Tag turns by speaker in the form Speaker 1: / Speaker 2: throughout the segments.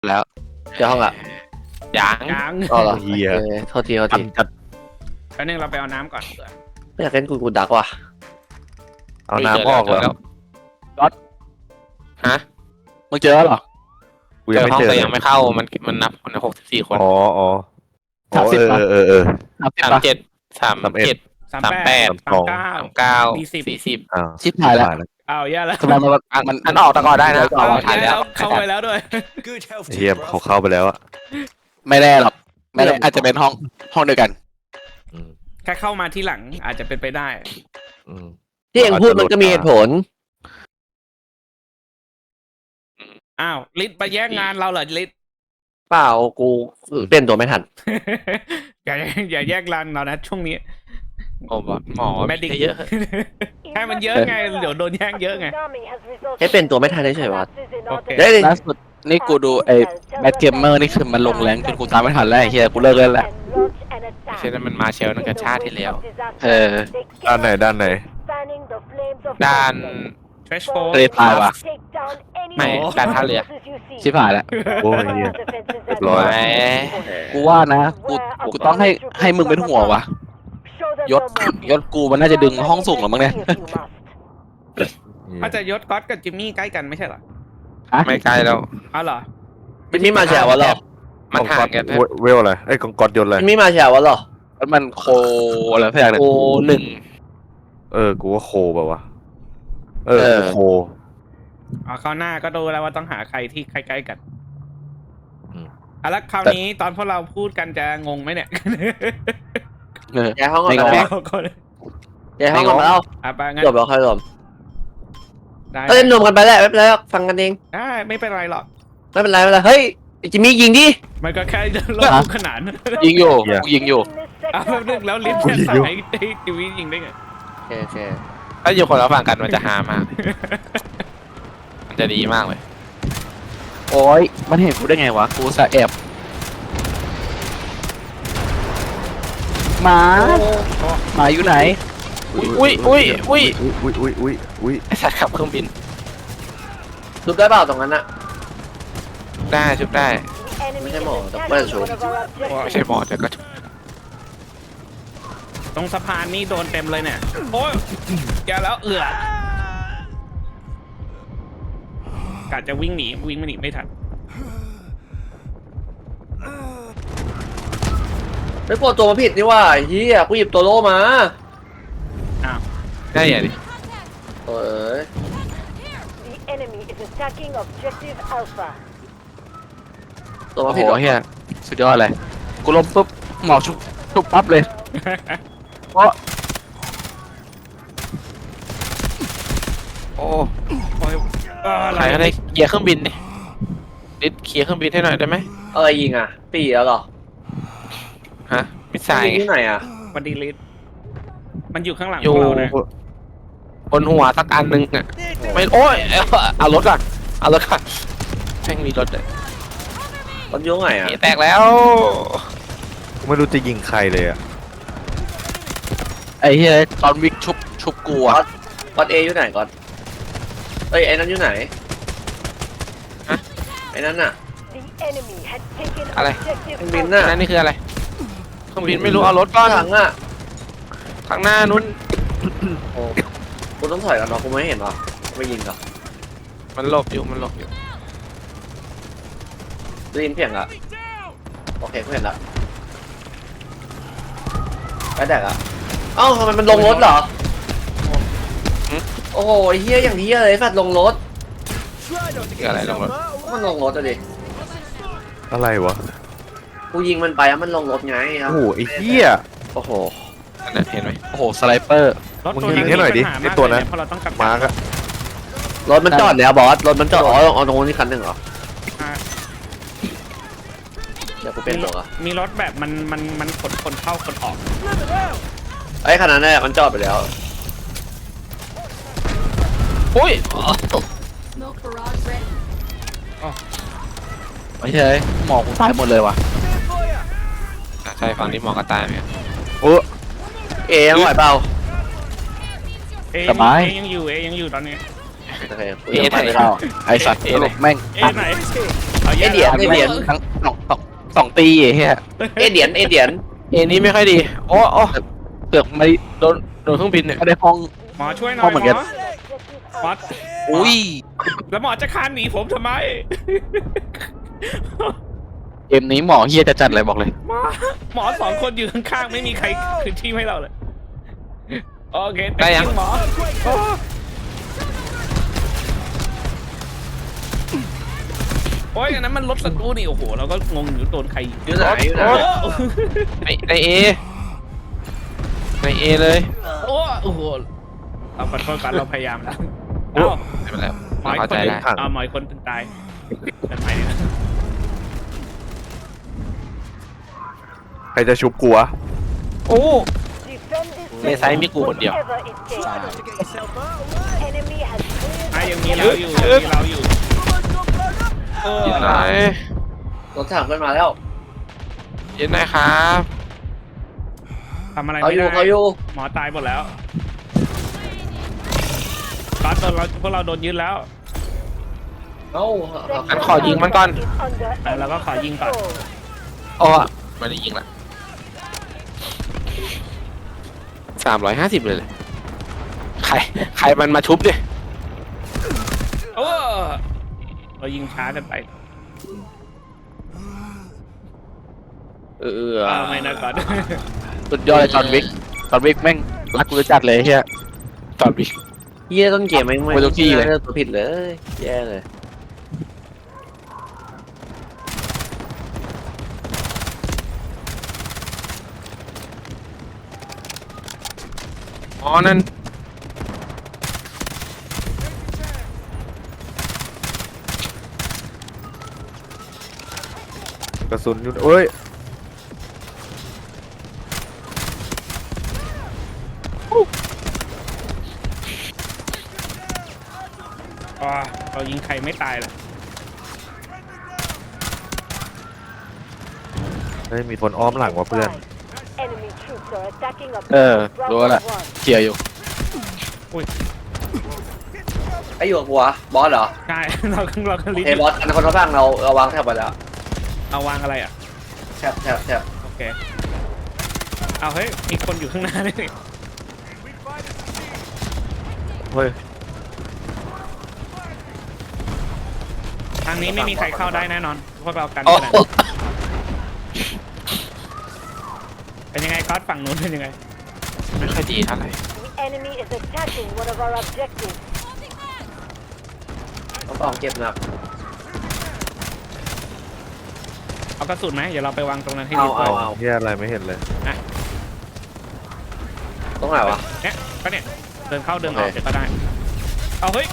Speaker 1: แล้ว
Speaker 2: เจอห้องละ
Speaker 1: ยัง
Speaker 3: ยัง
Speaker 2: อ๋อเหรอ
Speaker 4: เหี้ย
Speaker 2: โทษที
Speaker 4: จัด
Speaker 3: แป๊บนึงเราไปเอาน้ำก่อน
Speaker 2: ไม่อยากเล่นกูดักว่ะ
Speaker 4: เอาน้ำออกแล้ว
Speaker 1: ฮะ
Speaker 5: มึงเจอแล้วเหรอ
Speaker 4: กู
Speaker 1: เจ
Speaker 4: ยัง
Speaker 1: อ
Speaker 4: ไม่
Speaker 1: ห้อง
Speaker 4: เจอ
Speaker 1: แต่ยังไม่เข้ามันนับคน64 คน
Speaker 4: อ๋อ
Speaker 5: 30
Speaker 1: 37 37 39 40
Speaker 4: อ้าว
Speaker 5: ชิบหายแล้ว
Speaker 3: อ้าวแย่แล้ว
Speaker 5: ทำไมมัน
Speaker 1: อันออกตะกอนได้นะ
Speaker 3: อ้าว
Speaker 1: ทัน
Speaker 3: แย่
Speaker 1: แล้
Speaker 3: แล้ว วเข้าไปแล้วด้วย
Speaker 4: เฮียเขาเข้าไปแล้วอะ
Speaker 5: ไม่แน่หรอกไม่แน่อาจจะเป็นห้องเดียวกัน
Speaker 4: อืม
Speaker 3: แค่เข้ามาที่หลังอาจจะเป็นไปได้
Speaker 4: อืม
Speaker 2: ที่เองพูดมันก็มีเหตุผล
Speaker 3: อ้าวลิศไปแย่งงานเราเหรอลิศ
Speaker 2: เปล่ากูเปลี่ยนตัวไม่ทัน
Speaker 3: อย่าแย่งงานเรานะช่วงนี้
Speaker 1: โอ้หมอ
Speaker 3: แมดิก
Speaker 1: เยอะ
Speaker 3: แค่มันเยอะไงเดี๋ยวโดนแย่งเยอะไง
Speaker 2: แค่เป็นตัวไม่ทันเฉยๆวะ
Speaker 3: โอเค
Speaker 2: เดี๋ยวดิ
Speaker 5: ล่าสุดนี่กูดูไอ้แบทเกมเมอร์นี่คือมันลงแรงจนกูตามไม่ทันแล้วไอ้เฮียกูเลิกเล่นแล้ว
Speaker 1: ไม่ใช่นั้นมันมาเชลนั่นกับชาติที่แล้ว
Speaker 4: ด้านไหน
Speaker 1: ด้าน
Speaker 3: เทรชโฟ
Speaker 5: ทะเลทรายว่ะ
Speaker 1: ไม่ด้านท่าเรือ
Speaker 5: ชิบหายแล้ว
Speaker 4: โอ้ยเฮีย เรียบร้อย
Speaker 1: แหม
Speaker 5: กูว่านะกูต้องให้มึงเป็นหัววะยศกูมันน่าจะดึงห้องสูงหรอมั้งเนี่ย
Speaker 3: อาจจะยศก๊อตกับจิมมี่ใกล้กันไม่ใช่เหรอ
Speaker 1: ไม่ไกลแล้ว
Speaker 3: อ้าวเหรอ
Speaker 2: จิมมี่มาแชร์วะเหรอ
Speaker 1: มันห่างกัน
Speaker 4: เวลอะไรไอ้กอดยนต์อะไร
Speaker 2: จิมมี่มาแชร์วะเหรอ
Speaker 5: แล้วมันโคอะไรสักอย่างเนี่ย
Speaker 2: โอ้หนึ่ง
Speaker 4: กูว่าโคแบบวะกูโค
Speaker 3: อ๋อคราวหน้าก็ดูแล้วว่าต้องหาใครที่ใกล้ๆกัน
Speaker 4: อืม
Speaker 3: แล้วคราวนี้ตอนพวกเราพูดกันจะงงไหมเนี่ย
Speaker 2: แชร์ห้องก่อน
Speaker 5: ไม่
Speaker 2: ไป
Speaker 5: ง
Speaker 2: แล้ว
Speaker 5: ง
Speaker 2: แชร์ห้องก่อนมาแล้ว
Speaker 3: อ่ะไปงั้น
Speaker 2: รวมแล้วค่อยรวม
Speaker 3: ได้
Speaker 2: ก็เล่นรวมกันไปแล้วไม่เป็นไรหรอกฟังกันเอง
Speaker 3: ได้ไม่เป็นไรหรอก
Speaker 2: ไม่เป็นไรเฮ้ยจิมมี่ยิงดิ
Speaker 3: มันก็แค่ลดขนาน
Speaker 5: ยิงอยู่กูยิงอยู่
Speaker 3: อ่ะแป๊บนึงแล้วลิฟต์จะสั่งให้ทีวียิงได้ไง
Speaker 2: โอเค
Speaker 1: ถ้าอยู่คนละฝั่งกันมันจะฮามาก มันจะดีมากเลย
Speaker 5: โอ้ยมันเห็นกูได้ไงวะกูสะแอบหมาอยู่ไหน
Speaker 1: อุ้ย
Speaker 4: อุ้ย
Speaker 1: ไอ้สัตว์ขับเครื่องบิน
Speaker 2: ชุบได้เปล่าตรงนั้นอะ
Speaker 1: ได้ชุบได้
Speaker 2: ไม่ใช่หมอแต่ไม่ได้ชุบ
Speaker 1: ไม่ใช่หมอแต่ก็
Speaker 3: ตรงสะพานนี่โดนเต็มเลยเนี่ยโอ้ยแกแล้วกะจะวิ่งหนีไม่ทัน
Speaker 2: ไม่ปวดตัวมาผิดนี่ว่าเฮียกูหยิบตัวโล่มา
Speaker 3: อ้าว
Speaker 1: ได้อย่างนี้
Speaker 2: เอ้ย
Speaker 6: The enemy is attacking objective Alpha.
Speaker 2: ตัว
Speaker 5: โอ้
Speaker 2: มา
Speaker 5: โห
Speaker 2: ผิดเหรอ
Speaker 5: เฮียสุดยอดเลยกูล้มปุ๊บหมอชุบปั๊บเลยเพราะ
Speaker 1: โอ้
Speaker 3: โอ้ย
Speaker 1: ใครก็ได้เคลียร์เครื่องบินดิดิดเคลียร์เครื่องบินให้หน่อยได้ไหม
Speaker 2: อะไรยิงอ่ะปีแล้วเหรอ
Speaker 1: ฮะมิสไซล์
Speaker 2: ยิงที่ไหนอ่ะ
Speaker 3: วันดีลิสมันอยู่ข้างหลัง
Speaker 1: อ
Speaker 3: พ
Speaker 1: ยู่
Speaker 3: วกเรานะ
Speaker 1: บนหัวสักอันหนึ่งอ่ะไม่โอ้ยเอารถก่อนเอารถก่อนแม่งมีรถเลย
Speaker 2: ตอนยุ่งไงอ่ะ
Speaker 1: แตกแล้ว
Speaker 4: กูไม่รู้จะยิงใครเลยอะ
Speaker 5: ไอ้เฮียตอนวิกชุบกูอะ
Speaker 2: ก่อนเออยู่ไหนก่อนเอ้ยไอ้นั้นอยู่ไหนไอ้นั้นอ่ะ
Speaker 6: The enemy had taken
Speaker 1: Allez.
Speaker 6: objective
Speaker 2: เครื่องบิน
Speaker 6: Alpha.
Speaker 2: น่ะ
Speaker 1: นั่นนี่คืออะไรเครื่องบินไม่รู้เอารถก่อน
Speaker 2: หลังอ่ะ
Speaker 1: ข้างหน้านู้น
Speaker 2: โอ้กูต้องถอยกันเนาะกูไม่เห็นหรอไม่ยิงเหรอ
Speaker 1: มันหลบอยู่
Speaker 2: ได้ยินเสียงอ่ะโอเคกูเห็นละไอ้แดกอ่ะเอ้าทำไมมันลงรถเหรอโอ้โหเฮียอย่างเฮียเลยสัตว์ลงรถ
Speaker 1: คืออะไรลงรถ
Speaker 2: มันลงรถอะดิ
Speaker 4: อะไรวะ
Speaker 2: กูยิงมันไปแล้วมันลงรถไงครั
Speaker 4: โอ้
Speaker 2: บ
Speaker 4: โหไอ้เหี้ย
Speaker 2: โอ้โห
Speaker 1: อันนั้นเห็นไหม
Speaker 5: โอ้โหสไลเปอร์
Speaker 3: รถ
Speaker 4: มึง
Speaker 3: ตัว
Speaker 4: ยิงให้หน่อยดิ
Speaker 3: มีปัญา
Speaker 4: ไอ้ตัวนั้น
Speaker 3: มากเลยเยเพราะเราต้องกลับ
Speaker 4: มาร์กอะ
Speaker 2: รถมันจอดแล้วบอสรถมันจอดอ๋อเอาตรงนี้คันหนึ่งเหรอ
Speaker 3: อ่า
Speaker 2: เดี๋ยวกูเปลี่ยนตัวอ่ะ
Speaker 3: มีรถแบบมันขนคนเข้าคนออก
Speaker 2: ไอ้คันนั้นเนี่ยมันจอดไปแล้ว
Speaker 1: อุ้ย
Speaker 5: ไม่ใช่หมอกูตายหมดเลยว่ะ
Speaker 1: ใช่ฝั่งนี้หมอกระต่ายไหม
Speaker 4: โอ้
Speaker 2: เอยังไหวเปล่า
Speaker 3: เอ
Speaker 5: สบาย
Speaker 3: ยังอยู่ตอนนี้
Speaker 2: โอเคกู
Speaker 1: เอ
Speaker 2: ยัง
Speaker 1: ไหน
Speaker 2: ไปไม่ได้
Speaker 5: อ้าวไอสัตว์
Speaker 1: เอ๊ะเลย
Speaker 5: แม่ง
Speaker 3: เอไหนอา
Speaker 2: เอ
Speaker 3: แย่
Speaker 2: เดียน
Speaker 3: แล้ว
Speaker 2: เอเดียน
Speaker 5: ทั้งสองตีไอ้เฮีย
Speaker 2: เอเดียนเอเดียน
Speaker 1: เอนี้ไม่ค่อยดีโอ้โอ้เกือบไม่โดนเครื่องบินเนี่ย
Speaker 5: ไม่ได้ห้อง
Speaker 3: หมอช่วยหน่
Speaker 5: พ่
Speaker 3: อ
Speaker 5: อย เหมือน
Speaker 3: หม
Speaker 5: กั
Speaker 3: อน หมอ
Speaker 5: อุ้ย
Speaker 3: แล้วหมอจะคานหนีผมทำไม
Speaker 5: เกมนี้หมอเฮียจะจัดเลยบอกเลย
Speaker 3: หมอสองคนอยู่ข้างๆไม่มีใครคืนที่ให้เราเลยโอเค
Speaker 1: ได้ยัง
Speaker 3: หมอโอ้ยอันนั้นมันรถศัตรูนี่โอ้โหเราก็งงอยู่โดนใครยิง
Speaker 2: อยู่ไหนอยู่ไหน
Speaker 1: ในเอในเอเลย
Speaker 3: โอ้โหเราขอโทษกันเราพยายามแล้ว
Speaker 1: โอ้
Speaker 3: เอ้า
Speaker 1: ไม่เป็นไร
Speaker 3: หมออี
Speaker 1: เข้าก
Speaker 3: ค
Speaker 1: ใจ
Speaker 3: นหนึ่
Speaker 1: ได้
Speaker 3: งหมออีกคนถึงตายเป็นไงเนี่ย
Speaker 4: ใครจะชุบกูวะ
Speaker 1: โอ้
Speaker 6: Defend this
Speaker 1: ในไซส์มีกูคนเดียว
Speaker 6: whatever it takes. Enemy has cleared
Speaker 3: อ่ะยังมีเราอยู่ยังมีเราอยู่เออ
Speaker 1: ยินไหน
Speaker 2: รถถังขึ้นมาแล้ว
Speaker 1: ยินไหนครับ
Speaker 3: ทำอะไร
Speaker 2: เขา
Speaker 3: ไม่
Speaker 2: อยู่
Speaker 3: ได้
Speaker 2: เขาอยู่
Speaker 3: หมอตายหมดแล้วตอนโดนเราพวกเราโดนยึดแล้ว
Speaker 2: เอ้า
Speaker 1: งั้นขอยิงมันก่อน
Speaker 6: is under
Speaker 3: แล้วก็ขอยิงก่อน
Speaker 6: control.
Speaker 1: โอ้ไม่ได้ยิงละ350เลยใครมันมาชุบดิ
Speaker 3: โอ้เรายิงช้ากันไป ไม่นะก่อน
Speaker 5: สุดยอดเลยจอห์นวิกแม่งรักกูจะจัดเลยเฮีย
Speaker 1: ตอนบิ
Speaker 2: เยี่ยต้นเกมไม่
Speaker 5: ไม่ต้องจี้เลย
Speaker 2: ลือกตัวผิดเลยแย่เลย
Speaker 1: อ๋อนั่น
Speaker 4: กระสุนอยู่เอ้ย
Speaker 3: เรายิงใครไม่ตายเลย
Speaker 4: เฮ้ยมีคนอ้อมหลังว่ะเพื่อน
Speaker 6: Enemy troops are attacking a
Speaker 5: รู้แล้ว เคลียร์อยู่
Speaker 2: ไอ้อยู่กับกูวะบอสเหรอ
Speaker 3: ใช่ เราก็ลิ้น
Speaker 2: เฮ้ยบอสอันนั้นคนละฝั่งเราวางแถบไปแล้ว
Speaker 3: เอาวางอะไรอ่ะ
Speaker 2: แถบ
Speaker 3: โอเค เอาเฮ้ย มีคนอยู่ข้างหน้าด้วยนี่
Speaker 4: เฮ้ย
Speaker 3: ทางนี้ไม่มีใครเข้าได้แน่นอนพวกเรากัน
Speaker 1: โอ้
Speaker 3: ขนาดเป็นยังไงก๊อตฝั่งนู้นเป็นยังไง
Speaker 1: ไม่ค่อยดีเท่าไหร่
Speaker 6: The enemy is attacking one of our objectives.
Speaker 2: ต้องเก็บหนัก
Speaker 3: เอากระสุนไหมเดี๋ยวเราไปวางตรงนั้นให้
Speaker 2: เอา
Speaker 3: ดีกว่า
Speaker 2: เอา
Speaker 4: เฮียอะไรไม่เห็นเลย
Speaker 2: ตรงไหนวะ
Speaker 3: เนี่ยก็เนี่ยเดินเข้าเดินออก
Speaker 2: โอเค
Speaker 3: เดี๋ยวก็ได้ เอาเฮ้ย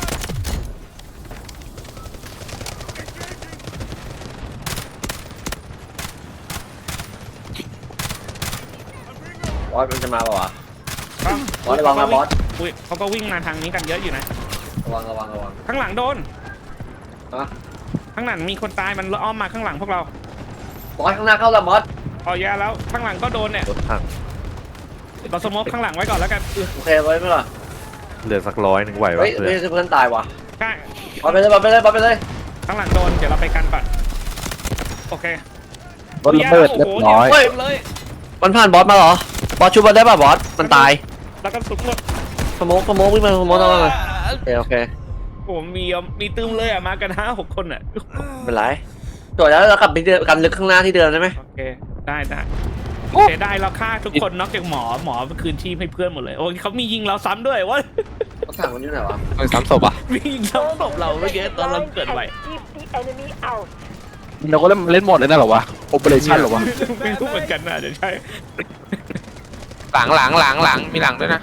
Speaker 2: บอสมันจะมาเปล่าวะ
Speaker 3: ปั๊ม
Speaker 2: บอสระวังนะบอส
Speaker 3: อุ้ยเขาก็วิ่งมาทางนี้กันเยอะอยู่นะ
Speaker 2: ระวัง
Speaker 3: ข้างหลังโดน
Speaker 2: ฮะ
Speaker 3: ข้างหลังมีคนตายมันอ้อมมาข้างหลังพวกเรา
Speaker 2: บอสข้างหน้าเข้าแล้วบอส
Speaker 3: อ๋อแย่แล้วข้างหลังก็โดนเนี่ย
Speaker 4: รถถัง
Speaker 3: เราสโมกข้างหลังไว้ก่อนแล้วกัน
Speaker 2: โอเคไว้ไหมล่ะ
Speaker 4: เหลือสัก100ไหววะ
Speaker 2: เฮ้ย
Speaker 4: เพื่อน
Speaker 2: เพื่อนตายวะ
Speaker 3: ใช่
Speaker 2: บอสไปเลยบอสไปเลย
Speaker 3: ข้างหลังโดนเดี๋ยวเราไปกันก่อนโอเค
Speaker 5: รถระเบิดเรียบร้อย
Speaker 3: เฮ้ยเลย
Speaker 2: มันผ่านบอสมาเหรอ บอสชุบบอสได้ป่ะบอส มันตาย
Speaker 3: แล้วก็สุดหมด
Speaker 2: สโมกวิ่งมาสโมกทำไมโอเค
Speaker 3: ผมมีตึมเลยอ่ะมากัน5-6 คนอ่ะ
Speaker 2: ไม่เป็นไรจบแล้วเรากลับไปกันลึกข้างหน้าที่เดิมได้ไหม
Speaker 3: โอเคได้เสียดายเราฆ่าทุกคนนอกจากหมอคืนชีพให้เพื่อนหมดเลยโอ้ยเขามียิงเราซ้ำด้วยวะ
Speaker 2: รถถังมันอยู่ไหนวะ
Speaker 1: มันซ้ำศพอ่ะ
Speaker 3: มียิงซ้ำศพเราเมื่อกี้ตอนเราเกิดใหม่
Speaker 6: Keep the enemy out.
Speaker 5: เราก็เล่นหมดเลยนะเหรอวะโอเปอเรชั่นเหรอวะ
Speaker 3: ไม่รู้เหมือนกันนะเดี๋ยวใช่
Speaker 1: หลังมีหลังด้วยนะ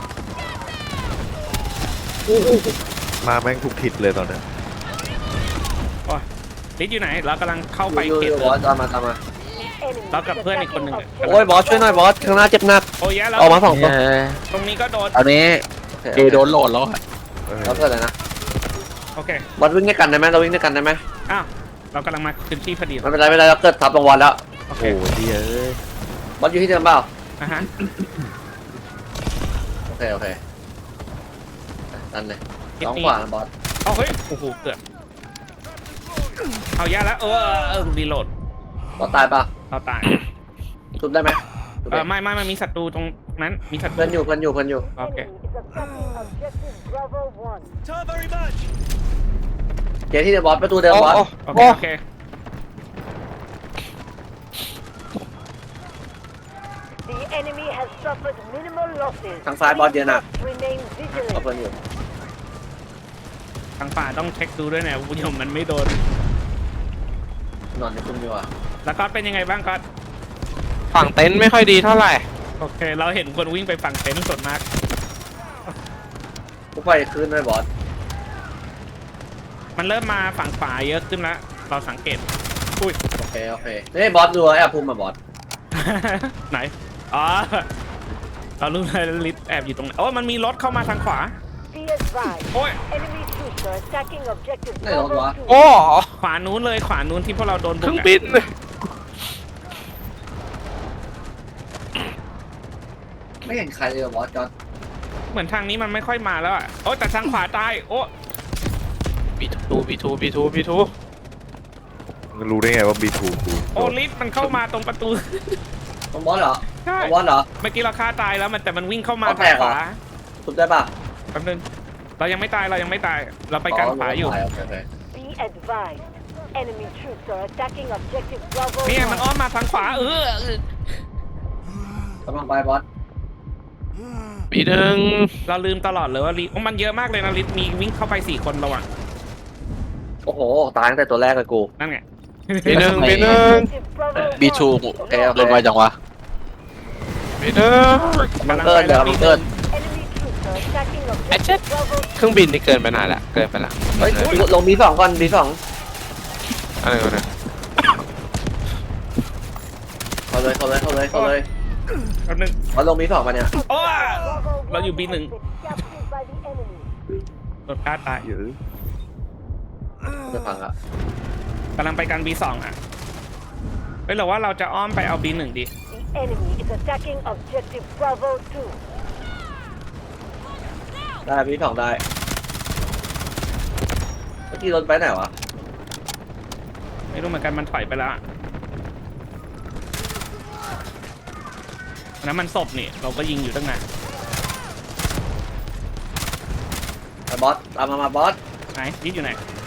Speaker 4: มาแม่งทุกทิศเลยตอนเนี้ย
Speaker 3: ลิศอยู่ไหนเรากำลังเข้าไป
Speaker 2: อยู่
Speaker 3: เขต
Speaker 2: บอสตามมา
Speaker 6: Enemy
Speaker 3: Tao gặp
Speaker 6: is
Speaker 3: พื่อนอีกคน
Speaker 6: attacking
Speaker 3: หนึ่ง
Speaker 6: objectives.
Speaker 2: โอ้ยบอสช่วยหน่อยบอส ข้างหน้าเจ็บหนัก
Speaker 3: โอ้ยแย่แล้ว
Speaker 2: ออกมาสองตัว
Speaker 3: ตรงนี้ก็โดน
Speaker 5: ตอนนี้เอโดนโหลดแล้วอะ
Speaker 4: เออ
Speaker 2: แล้วเกิดอะไรนะ
Speaker 3: โอเค
Speaker 2: บอสวิ่งด้วยกันได้ไหมเราวิ่งด้วยกันได้ไหม
Speaker 3: อ้าวเรากำลังมาคืนชีพพอดี
Speaker 2: ไม่เป็นไรเราเกิดทับรางวัลแล้ว
Speaker 3: โอเค
Speaker 4: โอ้ยเหี้ยเอ้ย
Speaker 2: บอสอยู่ที่เดิมเปล่า
Speaker 3: อ่ะฮะ
Speaker 2: โอเคนั่นเลย
Speaker 3: คิด
Speaker 2: น้อง
Speaker 3: นี่
Speaker 2: ขวาบอส
Speaker 3: เอาเฮ้ยโอ้โหเกือบทเอาแย่แล้วรีโหลด
Speaker 2: บอสตายปะ
Speaker 3: เราตาย
Speaker 2: ทุบได้ไหมทุบได้
Speaker 3: ไม่มันมีศัตรูตรงนั้นมีศัตรู
Speaker 2: เพื่อนอยู่เพื่อนอยู่เพื่อนอยู่
Speaker 3: โอเค
Speaker 6: Enemy is attacking objective Bravo 1.
Speaker 2: เจที่เดอะบอสประตูเดิมบอส
Speaker 3: โอเคโอเค
Speaker 6: The enemy has suffered minimal losses.
Speaker 2: ทางซ้ายบอสเยอะนะ
Speaker 6: Remain
Speaker 2: เอา
Speaker 6: vigilant.
Speaker 2: เพื่อนอยู่
Speaker 3: ทางฝ่าต้องเช็คดูด้วยนะคุณผู้ชมมันไม่โดน
Speaker 2: นอนในคุ้มดีกว่า
Speaker 3: แล้วก็เป็นยังไงบ้างก็
Speaker 1: ฝั่งเต็นท์ไม่ค่อยดีเท่าไหร่
Speaker 3: โอเค เราเห็นคนวิ่งไปฝั่งเต็นท์ส่วนมาก
Speaker 2: กูไปขึ้นด้วยบอส
Speaker 3: มันเริ่มมาฝั่งขวาเยอะขึ้นแล้วเราสังเกตอุ้ย
Speaker 2: โอเคโอเคนี่บอสดูไอ้ภูมิมาบอส
Speaker 3: ไหนอ๋อเรารู้เลยลิฟต์แอบอยู่ตรงไหนโอ้ยมันมีรถเข้ามาทางขวา
Speaker 6: Be advised.
Speaker 3: โอ้ย
Speaker 6: Enemy troops are attacking objective
Speaker 2: ไหนรถ
Speaker 6: Bravo
Speaker 2: วะ
Speaker 6: 2.
Speaker 1: โอ้
Speaker 3: ขวานู้นเลยขวานู้นที่พวกเราโดน
Speaker 1: เค
Speaker 3: บุ
Speaker 1: รื่
Speaker 3: ก
Speaker 1: อง
Speaker 3: อะ
Speaker 1: บิน
Speaker 2: ไม่เห็นใครเลยบอสจอด
Speaker 3: เหมือนทางนี้มันไม่ค่อยมาแล้วอ่ะโอ้แต่ทางขวาตายโอ้
Speaker 1: B2
Speaker 4: มึงรู้ได้ไงว่า B2 กู
Speaker 3: โอ้ลิฟต์มันเข้ามาตรงประตู
Speaker 2: ตรงบอสเหรอ
Speaker 3: ใช่
Speaker 2: ตรงบอสเหรอ
Speaker 3: เมื่อกี้เราฆ่าตายแล้วมันแต่มันวิ่งเข้ามา
Speaker 2: เอาแต
Speaker 3: ทาง
Speaker 2: กเหร
Speaker 3: ข
Speaker 2: อ
Speaker 3: วา
Speaker 2: ทุบได้ปะ
Speaker 3: แป๊บนึงเรายังไม่ตายเรายังไม่ตายเราไปกันขวาอยู่
Speaker 2: โอเคโอเค
Speaker 6: Be advised. Enemy troops are attacking objective Bravo
Speaker 3: เนี่ยมันอ้อ
Speaker 6: 1.
Speaker 3: มมาทางขวา
Speaker 2: กำลังไปบอส
Speaker 1: B1
Speaker 3: เราลืมตลอดเลยว่าลิฟต์มันเยอะมากเลยนะลิฟต์มีวิ่งเข้าไป4 คนระหว่าง
Speaker 2: โอ้โหตายตั้งแต่ตัวแรกเลยกู
Speaker 3: นั่นไง
Speaker 1: B1
Speaker 6: Objective Bravo
Speaker 5: บีทู
Speaker 6: 1.
Speaker 5: โดนไวจังวะ
Speaker 1: B1
Speaker 2: บังเกิลเดี๋ยวบังเกิล
Speaker 6: Enemy troops are attacking
Speaker 1: Achoo.
Speaker 6: objective Bravo
Speaker 1: เครื่องบินนี่เกินไปนานละเกินไปละ
Speaker 2: เฮ้ยลงB2ก่อนB2
Speaker 1: อะไรกันเนี่ย
Speaker 2: เข้าเลยเข้าเลยเข้าเลยเข้าเลย
Speaker 3: แป๊บนึง
Speaker 2: บอสลงB2มาเนี่ย
Speaker 3: โอ้
Speaker 6: Bravo
Speaker 3: เราอยู่
Speaker 6: 1
Speaker 3: B1
Speaker 6: has been captured by the enemy.
Speaker 3: โดนฆ่าตาย
Speaker 4: เยอะ
Speaker 2: จะพังอะ
Speaker 3: กำลังไปกัน B2 อ่ะเฮ้ยหรือว่าเราจะอ้อมไปเอา B1 ดิ
Speaker 6: The enemy is attacking objective Bravo 2.
Speaker 2: ได้B2ได้เมื่อกี้รถไปไหนวะ
Speaker 3: ไม่รู้เหมือนกันมันถอยไปแล้วอะอันนั้นมันศพนี่เราก็ยิงอยู่ตั้งนาน
Speaker 2: ไปบอสตามมาบอส
Speaker 3: ไหนลิฟต์อยู่ไหน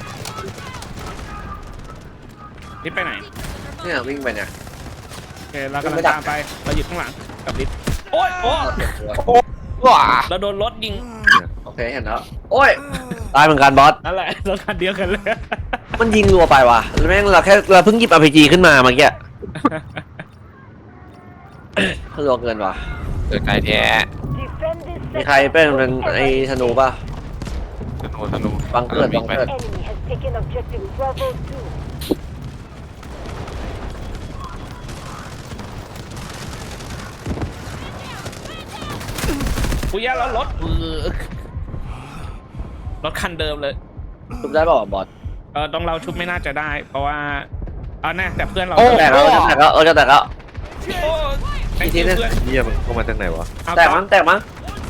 Speaker 3: ลิฟต์ไปไหน
Speaker 2: เนี่ยวิ่งไปเนี่ย
Speaker 3: โอเคเรากำลังตามไปเราอยู่ข้างหลังกับลิฟต์โอ้ยโอ้
Speaker 2: เอาเก็บตัว
Speaker 1: ว้า
Speaker 3: เราโดนรถยิง
Speaker 2: โอเคเห็นแล้วโอ้ยตายเหมือนกันบอส
Speaker 3: นั่นแหละรถคันเดียวกันเลย
Speaker 2: มันยิงรัวไปว่ะแล้วแม่งเราเพิ่งหยิบ RPG ขึ้นมาเมื่อกี้รัวเกินว่ะ
Speaker 1: เกิดไกลแท้
Speaker 6: Defend this
Speaker 2: มีใครเป็นไอ้ธนูป่ะ
Speaker 1: ธนู
Speaker 2: บังเกิดบังเกิด
Speaker 6: Enemy has taken objective Bravo 2.
Speaker 3: ปุยยะแล้วรถรถคันเดิมเลย
Speaker 2: ทุบได้เปล่าวะบอส
Speaker 3: ต้องเราชุบไม่น่าจะได้ เพราะว่าเอาแน่แต่เพื่อนเรา
Speaker 2: แตกแล้วจะแตกแล้วจะแตกแล้ว
Speaker 3: โอ้
Speaker 2: อีกทีนึง
Speaker 3: เพื่อน
Speaker 4: เหี้ยมันเข้ามาจากไหนวะ
Speaker 3: เอา
Speaker 2: แตกมั้งแตกมั้ง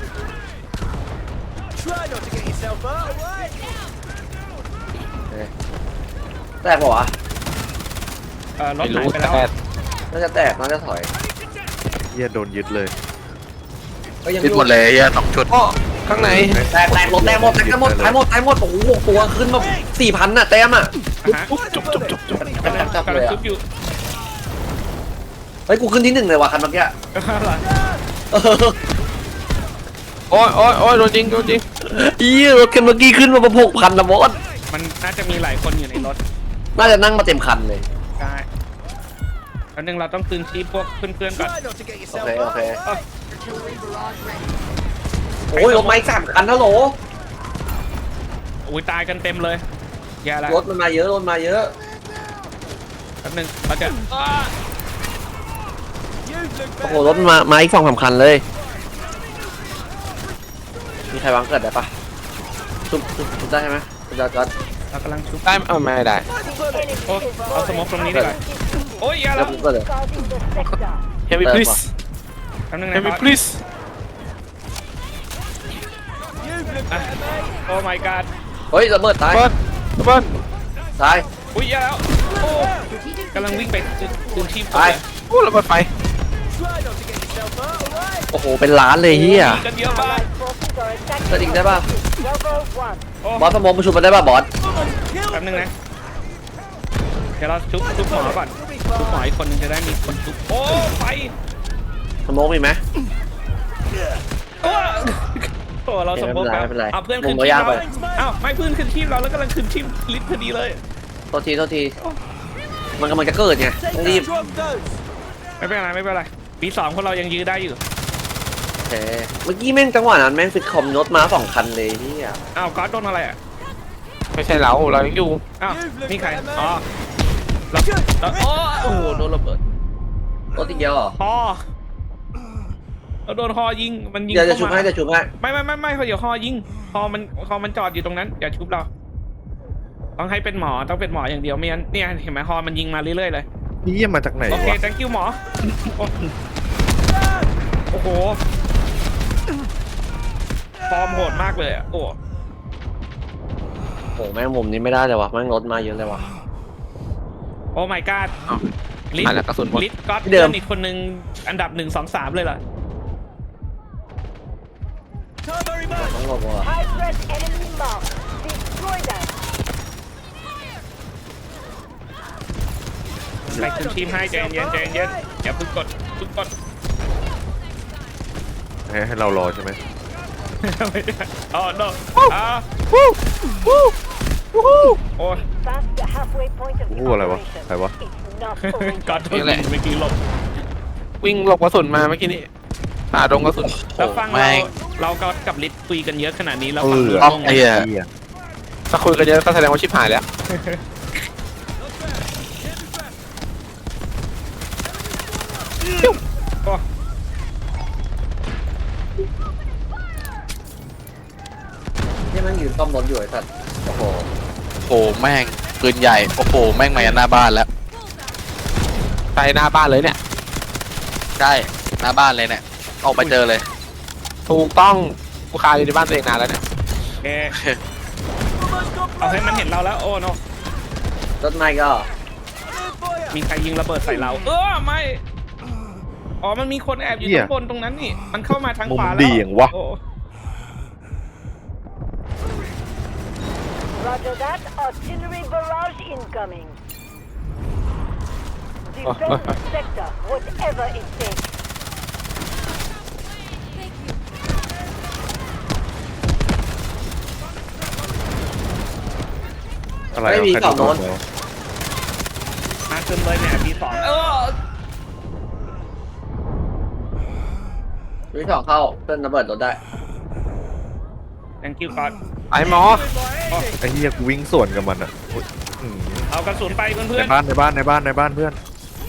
Speaker 2: แตกเปล่าวะ
Speaker 3: รถ
Speaker 1: ไม่
Speaker 3: หาย
Speaker 1: รู้
Speaker 3: ไปแล้ว
Speaker 1: แต่
Speaker 2: น่าจะแตกน่าจะถอย
Speaker 4: เหี้ยโดนยึดเลย
Speaker 2: ก็ยัง
Speaker 5: คิดหมดเลยเหี้ย2 ชุด
Speaker 1: โอ้ข้างใน
Speaker 2: แตกรถแตกหมดตายหมดโอ้โหตัวขึ้นมา 4,000น่ะเต็มอ่ะ
Speaker 3: ฮะ
Speaker 1: จุ๊บ
Speaker 2: จับ
Speaker 3: กำ
Speaker 2: เล
Speaker 3: ลัง
Speaker 2: ยอ่ะ
Speaker 3: ชุบอยู่
Speaker 2: เฮ้ยกูขึ้นที่ 1เลยว่ะคันเมื่อกี้
Speaker 1: โอ้ยโดนจริงร
Speaker 2: รถคันเมื่อกี้ขึ้นมาประ6,000นะบอส
Speaker 3: มันน่าจะมีหลายคนอยู่ในรถ
Speaker 2: น่าจะนั่งมาเต็มคันเลย
Speaker 3: ใช่แล้วนึงเราต้องคืนชีพพวกเพื่อนๆก่อน
Speaker 2: โอเคโอ้ยรถไม้3 คันนะโหล
Speaker 3: อุ้ยตายกันเต็มเลยแย่แล้ว
Speaker 2: รถมันมาเยอะรถมาเยอะ
Speaker 3: แป๊บนึงเราจะ
Speaker 2: โอ้โหรถมาอีก2-3 คันเลย มีใครวางเกิดได้ปะทุบได้ใช่ไหมคุณจอด
Speaker 3: เรากำลังชุบ
Speaker 1: ได้ไม่ได้
Speaker 6: Enemy
Speaker 3: Oh,
Speaker 6: is
Speaker 3: เอาสโมกตรงนี้ดีกว่า โอ้ยแย่
Speaker 2: แล้
Speaker 3: แล้ว ว
Speaker 2: กูก็เลย
Speaker 6: guarding the sector.
Speaker 1: Heavy please
Speaker 3: แป๊บนึงนะ
Speaker 1: Heavy
Speaker 3: ครับ
Speaker 1: please
Speaker 3: โอ้ my god
Speaker 2: เฮ้ยระเบิดตาย
Speaker 1: เบิ้ล
Speaker 2: ตาย
Speaker 3: อุ้ยอย่าแล้วโอ้กำลังวิ่งไปคืนชีพ
Speaker 2: ไป
Speaker 1: โอ้ระเบิดไฟ
Speaker 2: โอ้โหเป็นล้านเลยเฮีย
Speaker 3: มีกันเยอะมาก
Speaker 6: Allied forces are attacking
Speaker 2: สติงได้ป่ะ
Speaker 6: Bravo 1.
Speaker 2: บอสสมองประชุมมันได้ป่ะบอส
Speaker 3: แป๊บนึงนะเดี๋ยวเราชุบหมอก่อนชุบหมออีกคนนึงจะได้มีคนชุบโอ้ไฟ
Speaker 2: สมองมีไหม
Speaker 3: โอ้โหเราสมบูรณ์แล้ว
Speaker 2: ไม่เป็นไร
Speaker 3: เอาเพื่อน
Speaker 2: มุ
Speaker 3: ขึ้น
Speaker 2: มเรา
Speaker 3: ชีพ
Speaker 2: ยากไป
Speaker 3: เราอ้าวไม่เพื่อนขึ้นชีพเราแล้วกำลังขึ้นชีพลิฟต์พอดีเลย
Speaker 2: โทษทีมันกำลังจะเกิดไงต้องรีบ
Speaker 3: ไม่เป็นไรไม่เป็นไรปีสองพวกเรายังยื้อได้อยู่
Speaker 2: โอเคเมื่อกี้แม่งจังหวะนั้นแม่งฟิตคอมรถมา2 คันเลยเฮีย
Speaker 3: อ้าวก๊อตโดนอะไรอ่ะ
Speaker 1: ไม่ใช่เรายังอยู่
Speaker 3: อ้าวนี่ใครอ๋อเราโอ้โหโดนระเบิด
Speaker 2: รถอีกเดียวเหรอ
Speaker 3: ฮอเราโดนฮอยิงมันยิง
Speaker 2: เดี๋ยวจะ
Speaker 3: เข้า
Speaker 2: ชุบ
Speaker 3: มา
Speaker 2: ให้จะชุบให้
Speaker 3: ไม่เขาเดี๋ยวฮอยิงฮอมันจอดอยู่ตรงนั้นอย่าชุบเราต้องให้เป็นหมอต้องเป็นหมออย่างเดียวไม่งั้นเนี่ยเห็นไหมฮอมันยิงมาเรื่อยๆเลย
Speaker 4: นี่เยี่ยมมาจากไหน
Speaker 3: โอเค
Speaker 4: วะ
Speaker 3: thank you หมอโอ้โหฟอร์มโหดมากเลยอ่ะโอ้
Speaker 2: โอ้แม่งมุมนี้ไม่ได้เลยวะแม่งรถมาเยอะเลยวะ
Speaker 3: โอ้ my god
Speaker 1: อ้าว
Speaker 3: ลิส
Speaker 1: มาแล้วกระสุนหมด
Speaker 3: ลิสก็อต
Speaker 2: เดิ
Speaker 3: เดิ
Speaker 2: ม
Speaker 3: มอีกคนนึงอันดับ1 2 3เลยเหรอ
Speaker 2: ต้องหลบวะ
Speaker 6: High threat enemy marked. Destroy them.
Speaker 3: ใส่คุณทีมให้ใจเย็นอย่าเพึ่งกด
Speaker 4: ให้เรารอใช่ไหม
Speaker 3: ไม่ได้อ๋อ no โอ้ย
Speaker 6: Past the halfway point of the
Speaker 4: พูดอะไรวะ
Speaker 6: operation.
Speaker 4: ใครวะ
Speaker 6: It's not over.
Speaker 3: ก่อนโดนยิงเมื่อกี้หลบ
Speaker 1: วิ่งหลบกระสุนมาเมื่อกี้นี้ผ่าดงกระสุน
Speaker 3: แล้วฟัง
Speaker 5: แม่ง
Speaker 3: เราก็กับลิสคุยกันเยอะขนาดนี้เรา
Speaker 4: เอ
Speaker 3: ฟัง
Speaker 4: อ
Speaker 3: รู้
Speaker 5: ต้อง
Speaker 3: เรื่องไหม
Speaker 5: ไอ้เหี้ย
Speaker 4: เหี้ย
Speaker 1: ถ้าคุยกันเยอะก็แสดงว่าชิบหายแล้ว
Speaker 3: โอ้
Speaker 2: ที่แม่งยืนซ่อมรถอยู่ไอ้สัตว์โอ้โห
Speaker 5: โอ้โหแม่งปืนใหญ่โอ้โหแม่งมายันหน้าบ้านแล้ว
Speaker 1: ไปหน้าบ้านเลยเนี่ย
Speaker 5: ใช่หน้าบ้านเลยเนี่ยออกไปเจอเลย
Speaker 1: ถูกต้องกูคาอยู่ในบ้านตัวเองนานแล้วเนี่ย
Speaker 3: โอเคเอาให้มันเห็นเราแล้วโอ้ no
Speaker 2: รถไม่ก็
Speaker 3: มีใครยิงระเบิดใส่เราไม่อ๋อมันมีคนแอบอยู่ข้างบนตรงนั้นนี่มันเข้ามาทาง
Speaker 4: มุ
Speaker 3: ข
Speaker 4: ม
Speaker 3: วาแล้ว
Speaker 4: ดีอย่างวะ
Speaker 3: โอ้
Speaker 6: Roger that. Artillery barrage incoming. Defend the sector, whatever it takes.
Speaker 4: อะไร
Speaker 2: ไม่
Speaker 4: วะ
Speaker 2: มี
Speaker 4: ใคร
Speaker 2: ฝั่งโน้น
Speaker 4: โดน
Speaker 3: มาขึ้นเลยเนี่ยปีสอง
Speaker 2: วิสองเข้าเพื่อนระเบิดรถได้
Speaker 3: thank you ก่อน
Speaker 1: ไอ้หมอ
Speaker 4: ไอ้เหี้ยกูวิ่งสวนกับมันอ่ะอุ๊ยอืม
Speaker 3: เอากระสุนไปเพื่
Speaker 4: ใน
Speaker 3: อน
Speaker 4: บ้านในบ้านในบ้านในบ้านเพื่อน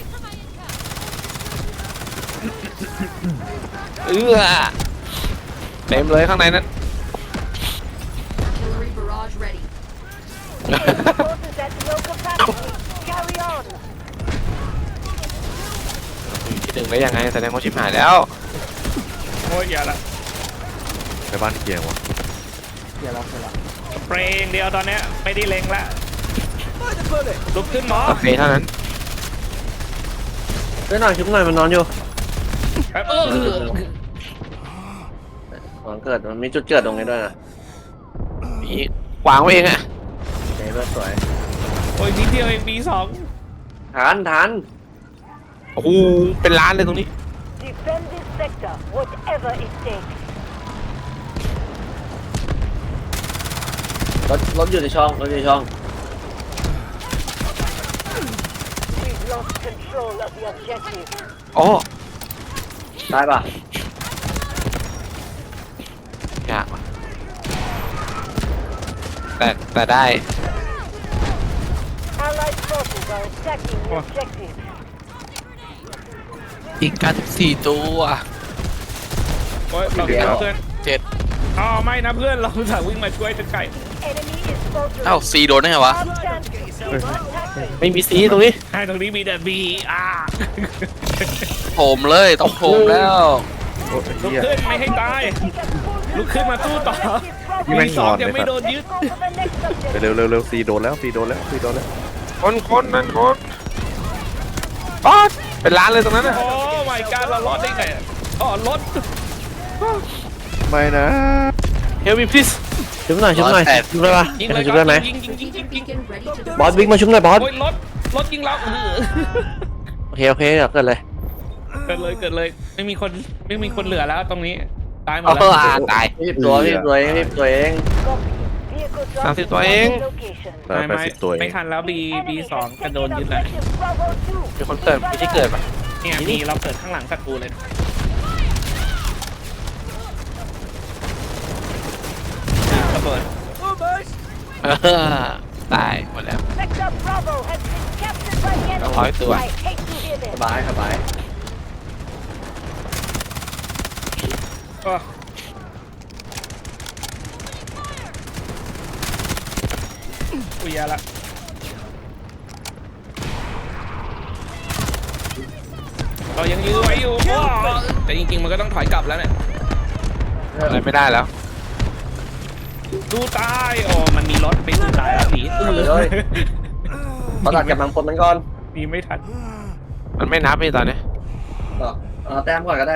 Speaker 1: เเต็มเลยข้างในนั้น
Speaker 7: Artillery barrage ready.
Speaker 6: Forces at low capacity. Carry on.
Speaker 1: ที่หนึ่งได้ยังไงแสดงว่าชิบหายแล้ว
Speaker 3: โอ้ยอย่าละ
Speaker 4: ในบ้านเกียงวะ
Speaker 3: สเปรย์อย่างเดียวตอนเนี้ยไม่ได้เล็งละลุกขึ้นหมอ
Speaker 1: โอเคเท่านั้น
Speaker 2: เพื่อนหน่อยชุบหน่อยมันนอนอยู่
Speaker 3: แป๊บ
Speaker 2: มันเกิดมันมีจุดเกิดตรงนี้ด้วยนะ
Speaker 1: มีวางไว้เองอะ
Speaker 2: เฮ้ยเพื่อนสวย
Speaker 3: โอ้ยนิดเดียวเองปีสอง
Speaker 2: ทัน
Speaker 1: โอ้โหเป็นล้านเลยตรงนี้
Speaker 6: Defend this sector, whatever it takes.
Speaker 2: รถอยู่ในช่องรถอยู่ในช่อง
Speaker 6: We've lost control of the objective.
Speaker 1: โอ้
Speaker 2: ได้ปะ
Speaker 1: ยากว่ะแต่ได้
Speaker 6: Allied forces are attacking the objective.
Speaker 5: อีก94ตัว
Speaker 3: โอ้ยเราเห็นเพื่อน
Speaker 5: 7
Speaker 3: อ๋อไม่นะเพื่อนเราสั่งวิ่งมาช่วยจะไก่
Speaker 6: Enemy is faltering.
Speaker 5: เอ้า4โดนได้ไงวะ
Speaker 6: Our chances to attack.
Speaker 1: ไม่มีสีตรงนี้
Speaker 3: ใช่ตรงนี้มีแต่บี
Speaker 5: โถมเลยต้องโถมแล้ว
Speaker 4: โอ้ยไอ้
Speaker 3: ลุก
Speaker 4: เหี้ย
Speaker 3: ขึ้นไม่ให้ตาย ลุกขึ้นมาสู้ต่อ
Speaker 4: นี่แม่ง
Speaker 3: ปีสอง
Speaker 4: นอนเลย
Speaker 3: ยังไม่โดนยึด
Speaker 6: Go for the next objective.
Speaker 4: ไปเร็วเร็วเร็วซีโดนแล้วซีโดนแล้วซีโดนแล้ว
Speaker 1: คนนั่นคนอ๋อเป็นร้านเลยตรงนั้นน่ะ
Speaker 3: โอ้ my god เรารอดได้ไงอะอ๋อรถ
Speaker 4: ไม่นะ
Speaker 1: Help me please
Speaker 2: ชุบหน่อยชุบได้ปะ
Speaker 3: ยิงเลย
Speaker 2: ชุบ
Speaker 3: ก่อ
Speaker 2: ได้ไหม
Speaker 3: นยิงยิง
Speaker 2: บอสวิ่งมาชุบหน่อยบอส
Speaker 3: โอ้ยรถยิงเรา
Speaker 2: โอเคเดี๋ยวเกิดเลย
Speaker 3: เกิดเลยไม่มีคนเหลือแล้วตรงนี้ตายหมด
Speaker 1: เอ
Speaker 3: แล้ว
Speaker 1: อตาย
Speaker 2: รีบตัวเอง
Speaker 6: Copy. Vehicle
Speaker 1: 30 ตัวเอง
Speaker 6: location.
Speaker 4: 80 ตัวเอ
Speaker 3: ไม่
Speaker 4: ง
Speaker 3: ทันแล้ว B2 กระโดนยึดแล้ว
Speaker 6: Objective Bravo 2.
Speaker 1: มีคนเกิดมีที่เกิดปะ
Speaker 3: เนี่ยมีเราเกิดข้างหลังศัตรูเลยระเบิด
Speaker 1: ตายหมดแล้ว
Speaker 6: Sector Bravo has been captured by the enemy.
Speaker 1: 100 ตัว
Speaker 6: I hate to hear
Speaker 2: ส
Speaker 6: this.
Speaker 2: บาย
Speaker 3: ก็อุ้ยยาละเรายังยื้อไว้อยู่แต่จริงๆมันก็ต้องถอยกลับแล้วเนี่ย
Speaker 1: อะไรไม่ได้แล้ว
Speaker 3: ดูตายโอ้มันมีรถไปดูตายแล้วผี
Speaker 2: เขาตัดกำลังพลมันก่อน
Speaker 3: มีไม่ทัน
Speaker 1: มันไม่นับพี่ตอนนี้
Speaker 2: แต้มก่อนก็ได้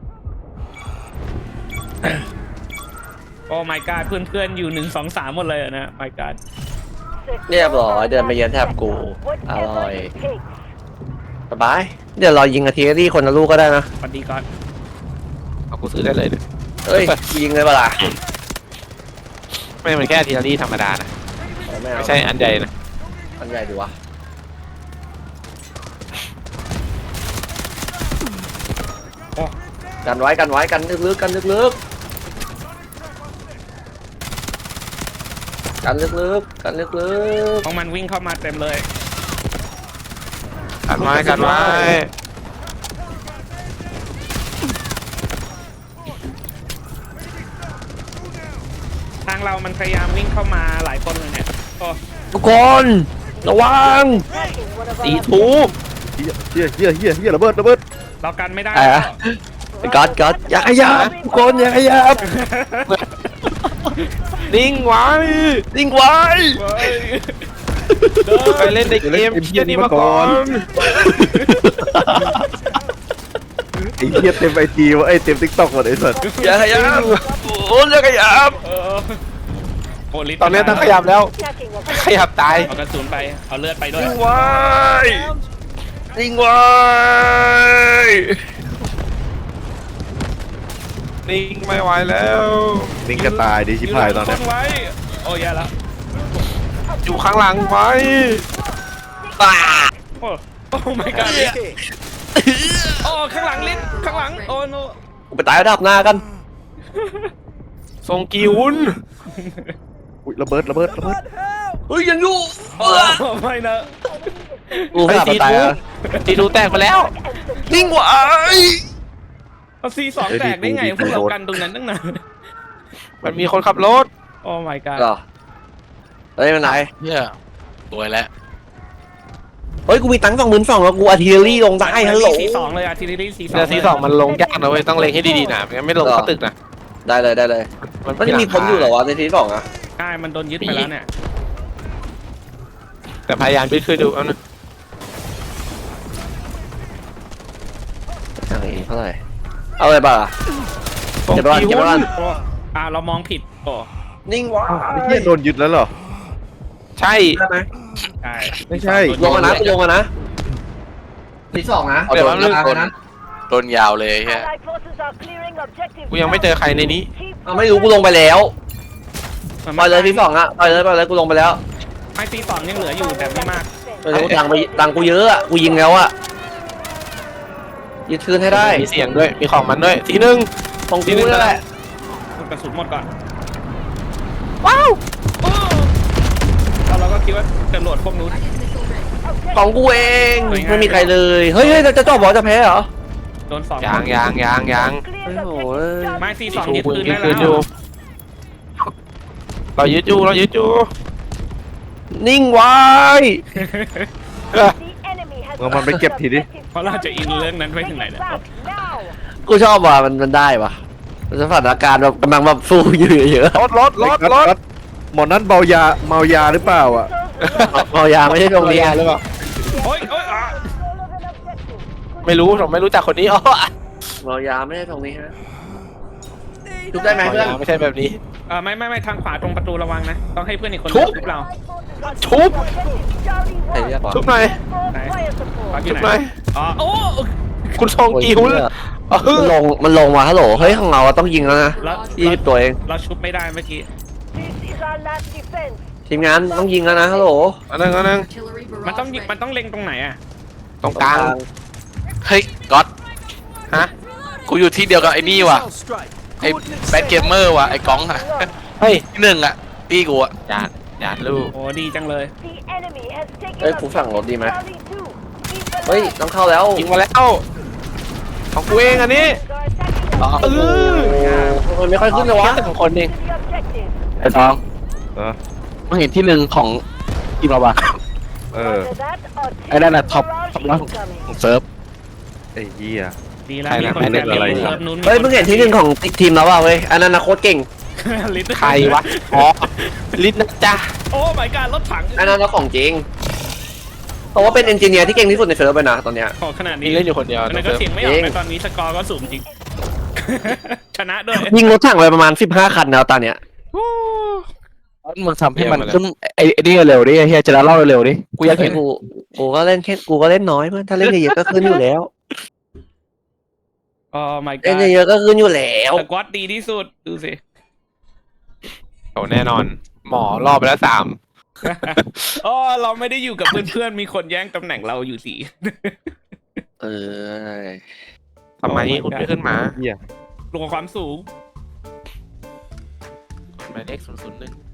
Speaker 3: โอ้ my god เพื่อนๆอยู่1 2 3หมดเลยอะนะ my god
Speaker 2: เรียบร้อยเดินไปเยือนแทบกู อ
Speaker 6: Whatever
Speaker 2: ร่อย
Speaker 6: it takes.
Speaker 2: สบาย เดี๋ยวเรายิงอาร์ติเลอรี่คนละลูกก็ได้นะ
Speaker 3: สวัสดีก่อน
Speaker 1: เอากูซื้อได้เลยเนี่ย
Speaker 2: เอ้ย ยิงเลยเปล่า
Speaker 1: ไม่มันแค่ทีละรี่ธรรมดานะ ไม่ใช่อันใหญ่นะ
Speaker 2: อันใหญ่ดีวะ
Speaker 3: โอ้
Speaker 2: กันไว้กันลึกๆกันลึกๆกันลึก
Speaker 3: ของมันวิ่งเข้ามาเต็มเลย
Speaker 1: กันไว้กันไว้
Speaker 3: ทางเรามันพยายามวิ่งเข้ามาหลายคนเลยเนี่ยโอ้
Speaker 2: ๆทุกคนระวัง
Speaker 6: Tracking one of
Speaker 1: ตี
Speaker 6: our
Speaker 1: ทู
Speaker 4: เฮียระเบิด
Speaker 3: เรากันไม่ได้
Speaker 2: อะไรอะ ก๊อตอย่าขยับทุกคนอย่าขยับ
Speaker 1: นิ่งไว้
Speaker 2: นิ่งไว้
Speaker 3: เว้ย
Speaker 1: ไปเล่นในเกมเฮียนี่มาก่อน
Speaker 4: ไอ้เฮียเต็มไอจีวะไอ้เต็มทิกตอกหมดไอ้สัส
Speaker 2: อย่าขยับโอ้ยอย่าขยับ
Speaker 3: เออโอ้ลิฟต์
Speaker 1: ตอนนี้ต้องขยับแล้ว
Speaker 6: tracking of
Speaker 1: ขยับตาย
Speaker 3: เอากระสุนไป เอาเลือดไปด้วย
Speaker 2: นิ่งไว้นิ่งไว้
Speaker 1: นิ่งไม่ไหวแล้ว
Speaker 4: นิ่งกระตายดิชิพายตอนเนี้ย
Speaker 3: ยืไว้ โอ้ยาละ
Speaker 1: อยู่ข้างหลังไว้
Speaker 3: โอ้โอ้ my god โอ้ข้างหลังลิ้นข้างหลัง โอ้โน
Speaker 2: กูไปตายระดับหน้ากัน
Speaker 1: ทรงกิวุน
Speaker 4: อุ๊ยระเบิด
Speaker 2: เฮ้ยยังอยู่
Speaker 3: โอ้ไม่นะ
Speaker 2: กูขับไปตายแล้ว
Speaker 1: ตีทูแตกไปแล้ว
Speaker 2: นิ่งไว้
Speaker 3: เอาC2 แตกได้ไงพวกเรากันตรงนั้นตั้งนาน
Speaker 1: มันมีคนขับรถ
Speaker 3: โอ้ my god
Speaker 2: เหรอเฮ้ยมันไหน
Speaker 5: เนี่ยสวยแล้ว
Speaker 2: เฮ้ยกูมีตังค์22,000แล้วกูอาร์ติเลอรี่ลงได้ฮัลโหล
Speaker 3: C2 เลยอะทีนี้ C2
Speaker 1: แต่ซีสองมันลงยากนะเว้ยต้องเล็งให้ดีๆนะไม่งั้นไม่ลงเข้าตึกนะ
Speaker 2: ได้เลยมันจะมีคนอยู่เหรอวะในที2อ่ะ
Speaker 3: ใช่มันโดนยึดไปแล้วเนี่ย
Speaker 1: แต่พยายามไปขึ้นดูเอานะ
Speaker 2: เท่าไหร่เอาอะไรบ้าง
Speaker 1: ทรง
Speaker 2: เก็บไว้
Speaker 1: กิ
Speaker 2: เก็บ
Speaker 1: วุ
Speaker 2: ไว้
Speaker 1: น
Speaker 3: โอ้เรามองผิดโอ้
Speaker 2: นิ่งไว้
Speaker 4: ไอ้เฮียโดนยึดแล้วเหรอ
Speaker 1: ใช่
Speaker 2: ได้ไหม
Speaker 3: ใช่
Speaker 4: ไม่ใช่
Speaker 2: ลงมานะลงมานะที2นะ
Speaker 1: เดี๋ยวมัน
Speaker 5: ต้นยาวเลยแค่
Speaker 6: Allied forces are clearing objective.
Speaker 1: กูยังไม่เจอใครในนี้
Speaker 2: เอาไม่รู้กูลงไปแล้วปล่อยเลยที2อ่ะปล่อยเลยกูลงไปแล้ว
Speaker 3: ไอC2 ยังเหลืออยู่แต่ไม่มาก
Speaker 2: ไม่รู้ตังกูเยอะอ่ะกูยิงแล้วอ่ะยึดคืนให้ได้
Speaker 1: มีเสียงด้วยมีของมันด้วยทีนึง
Speaker 2: ของกูนั่นแหละ
Speaker 3: กระสุนหมดก่อน ว้าวแล้วเราก็คิดว่าจะโหลดพวกนู้น
Speaker 2: ของกูเอง
Speaker 3: สวยงาม
Speaker 2: ไม่มีใครเลยเฮ้ยจะจบบอกจะแพ้เหรอ
Speaker 3: โดน2
Speaker 1: ยาง
Speaker 6: Cleared
Speaker 2: Oh,
Speaker 6: objective.
Speaker 3: ไม่
Speaker 1: ตี
Speaker 3: C2
Speaker 1: ทู
Speaker 3: ยึด
Speaker 1: กู
Speaker 3: คืน
Speaker 1: ยึ
Speaker 3: ได้
Speaker 1: ด
Speaker 3: แล้
Speaker 1: คืนอยู่
Speaker 3: ว
Speaker 1: เรายึดอยู่
Speaker 2: นิ่งไว้
Speaker 6: The enemy has
Speaker 4: เอามันไปเก็บทีดิ
Speaker 3: เพราะเราจะอินเรื่องนั้นไปถึงไหน
Speaker 6: Bring it
Speaker 3: เนี่ย
Speaker 6: back now.
Speaker 2: กูชอบว่ะมันได้ว่ะสถานการณ์แบบกำลังแบบสู้อยู่เยอะ
Speaker 1: รถ
Speaker 4: หมอนั้นเมายาหรือเปล่าอ่ะ
Speaker 6: Soldiers
Speaker 2: เมายาไม่ใช่ตรงนี้
Speaker 1: หรือเปล่า
Speaker 3: โอ้ยโอ้ยอ่ะ
Speaker 1: ไม่รู้ผมไม่รู้จักคนนี้อ๋อ
Speaker 2: เมายาไม่ใช่ตรงนี้ฮะชุบได้ไหมเพื่อน
Speaker 1: ไม่ใช่แบบนี้
Speaker 3: ไม่ทางขวาตรงประตูระวังนะ ต้องให้เพื่อนอีกคน
Speaker 1: ทุบ
Speaker 3: ชุบเรา
Speaker 1: ชุบ
Speaker 2: ใครเรียกวะ
Speaker 1: ชุบหน่อย
Speaker 3: ขวาอยู่
Speaker 1: ชุบ
Speaker 3: ไหน
Speaker 1: หน่อย
Speaker 3: อ๋อโอ้
Speaker 1: คุณซองกิวเออ
Speaker 2: มันลงมาฮัลโหลเฮ้ยของเราอะต้องยิงแล้วนะ
Speaker 3: แล้ว
Speaker 2: 20ตัวเอง
Speaker 3: เราชุบไม่ได้เมื่อกี้
Speaker 6: This is our last defense.
Speaker 2: ทีมงานต้องยิงแล้วนะฮัลโหล
Speaker 1: อันนึง
Speaker 3: มันต้องยิงมันต้องเล็งตรงไหนอ่ะ
Speaker 1: ตรงกลาง
Speaker 5: เฮ้ยก๊อต
Speaker 1: ฮะ
Speaker 5: กูอยู่ที่เดียวกับไอ้นี่ว่ะไอ้แบทเกมเมอร์ว่ะไอ้ก้องอะ
Speaker 1: เฮ้ย
Speaker 5: ที่หนึ่งอะพี่กูอะ
Speaker 1: อย่าลูก
Speaker 3: โอ้ดีจังเลย
Speaker 6: The enemy has taken
Speaker 2: เฮ้ยกูฝั่งรถดีไหม
Speaker 6: Charlie 2. Keep
Speaker 2: เฮ้ย
Speaker 6: alive.
Speaker 2: ต้องเข้าแล้ว
Speaker 1: ยิงมาแล้วของกูเองอันนี้
Speaker 6: Are attacking
Speaker 1: เออ
Speaker 2: มันไม่ค่อยขึ้นเลยวะ
Speaker 1: แค่2คนเอง
Speaker 6: to the objective.
Speaker 5: ไอ้ตอง
Speaker 4: เออ
Speaker 5: มึงเห็นที่หนึ่งของทีมเราปะ
Speaker 4: เออ
Speaker 6: After that, our
Speaker 5: ไอ้นั่นน่ะท็อป
Speaker 6: barrage
Speaker 5: ท็อปร้อย
Speaker 6: incoming.
Speaker 5: ของเซิร์ฟ
Speaker 4: ไอ้เหี้ย
Speaker 3: ดีแล้ว
Speaker 1: ใคร
Speaker 3: มี
Speaker 1: นะ
Speaker 3: คน
Speaker 1: ไม่ได้
Speaker 3: แอบ
Speaker 1: อะไร
Speaker 3: มี
Speaker 1: นะ
Speaker 3: เซิร์ฟนู้น
Speaker 2: เฮ้ยมึงเห็นที่หนึ่งของทีมเราเปล่าเว้ยอันนั้นนะโคตรเก่ง
Speaker 3: ลิ้น
Speaker 1: ใครวะอ๋อลิศนะจ๊ะ
Speaker 3: โอ้ my god รถถัง
Speaker 2: อันนั้นนะของจริงเพราะว่าเป็นเอนจิเนียร์ที่เก่งที่สุดในเซิร์ฟเลยนะตอนเนี้ย
Speaker 3: ขอขนาด
Speaker 1: มี
Speaker 3: นี้
Speaker 1: เล่นอยู่คนเดียว
Speaker 3: อันนั้นก็เสียงไม่ออกนะตอนนี้สกอร์ก็สูงจริง ชนะด้วย
Speaker 2: ยิงรถถังไปประมาณ15คันแล้วตอนเนี้ย
Speaker 5: มึงทำให้มันขึ้นไอ้นี่เร็วดิไอ้เฮียจะเล่าเร็วดิกูอยากเห็น
Speaker 2: กูก็เล่นแค่กูก็เล่นน้อยเพื่อนถ้าเล่นเยอะๆก็ขึ้นอยู่แล้ว
Speaker 3: โอ้ my
Speaker 2: เล่น
Speaker 3: god
Speaker 2: เยอะๆก็ขึ้นอยู่แล้ว
Speaker 3: สกอตดีที่สุด ดูสิ
Speaker 1: โอ้แน่นอน หมอรอบไปแล้ว3
Speaker 3: อ๋อเราไม่ได้อยู่กับเพื่อนๆ มีคนแย่งตำแหน่งเราอยู่สิ
Speaker 2: เออ
Speaker 1: ทำไมคุณไม่ขึ้นมา
Speaker 4: เหี้ย
Speaker 3: ลงความสูง
Speaker 1: หมายเลข001